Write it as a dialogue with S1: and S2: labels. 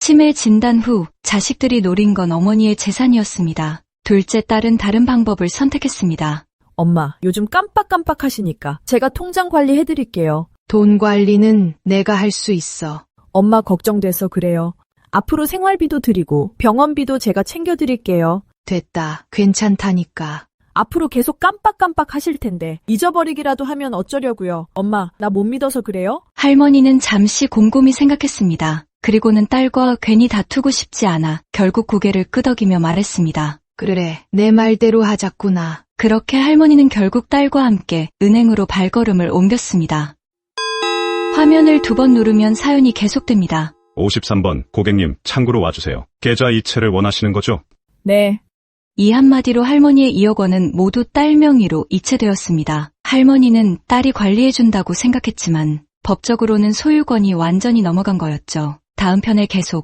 S1: 치매 진단 후 자식들이 노린 건 어머니의 재산이었습니다. 둘째 딸은 다른 방법을 선택했습니다.
S2: 엄마, 요즘 깜빡깜빡 하시니까 제가 통장 관리해드릴게요.
S3: 돈 관리는 내가 할 수 있어.
S2: 엄마 걱정돼서 그래요. 앞으로 생활비도 드리고 병원비도 제가 챙겨드릴게요.
S3: 됐다. 괜찮다니까.
S2: 앞으로 계속 깜빡깜빡 하실 텐데 잊어버리기라도 하면 어쩌려고요. 엄마, 나 못 믿어서 그래요?
S1: 할머니는 잠시 곰곰이 생각했습니다. 그리고는 딸과 괜히 다투고 싶지 않아 결국 고개를 끄덕이며 말했습니다.
S3: 그래, 내 말대로 하자꾸나.
S1: 그렇게 할머니는 결국 딸과 함께 은행으로 발걸음을 옮겼습니다. 화면을 2번 누르면 사연이 계속됩니다.
S4: 53번 고객님 창구로 와주세요. 계좌 이체를 원하시는 거죠?
S2: 네.
S1: 이 한마디로 할머니의 2억 원은 모두 딸 명의로 이체되었습니다. 할머니는 딸이 관리해준다고 생각했지만 법적으로는 소유권이 완전히 넘어간 거였죠. 다음 편에 계속